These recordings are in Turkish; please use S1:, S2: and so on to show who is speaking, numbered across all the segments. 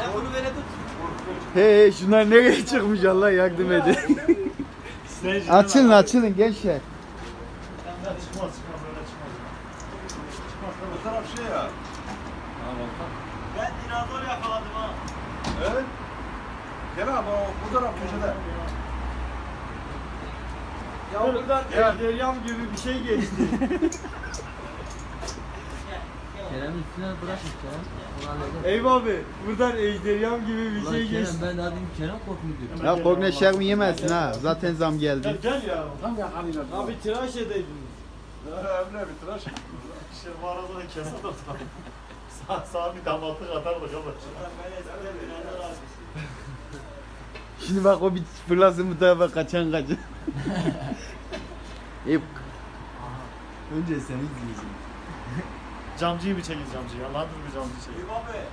S1: Onu böyle tut.
S2: He şunlar nereye çıkmış Allah yardım edin. açılın gençler.
S3: Çıkmaz çıkmaz öyle çıkmaz. Çıkmaz.
S1: Bu taraf şey ya.
S3: Ben dinozor yakaladım ha.
S1: Evet. Gel abi bu taraf köşede.
S3: Ya buradan ejderham gibi bir şey geçti.
S4: Kerem'in üstüne bırakmış Kerem. Onu halledin.
S3: Eyvah abi buradan ejderham gibi bir
S4: Ulan
S3: şey
S4: Kerem
S3: geçti.
S4: ben daha dedim Kerem korkmuyor diyor.
S2: Ya korkma şermi yemezsin ha. Zaten zam geldi.
S3: Gel ya.
S1: Tam yakalayacağız.
S3: Abi tıraş edeydiniz.
S1: Emre bir tıraş.
S3: İşte bu arada da kesin de sağ bir damatlık atardık ama.
S2: Şimdi bak o bir fırlasın bu tarafa kaçan. Hep
S4: Önce seni izleyeceğim.
S3: Camcıyı mı çekeceğiz camcıyı? Allah'ın bir camcı çekeceğiz.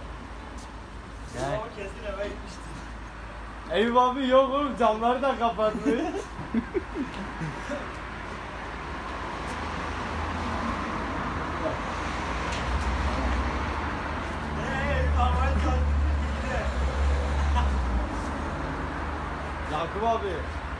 S4: Gel.
S3: Kesin eve gitmişti. Eyüp abi yok oğlum camları da kapattı. Yakup abi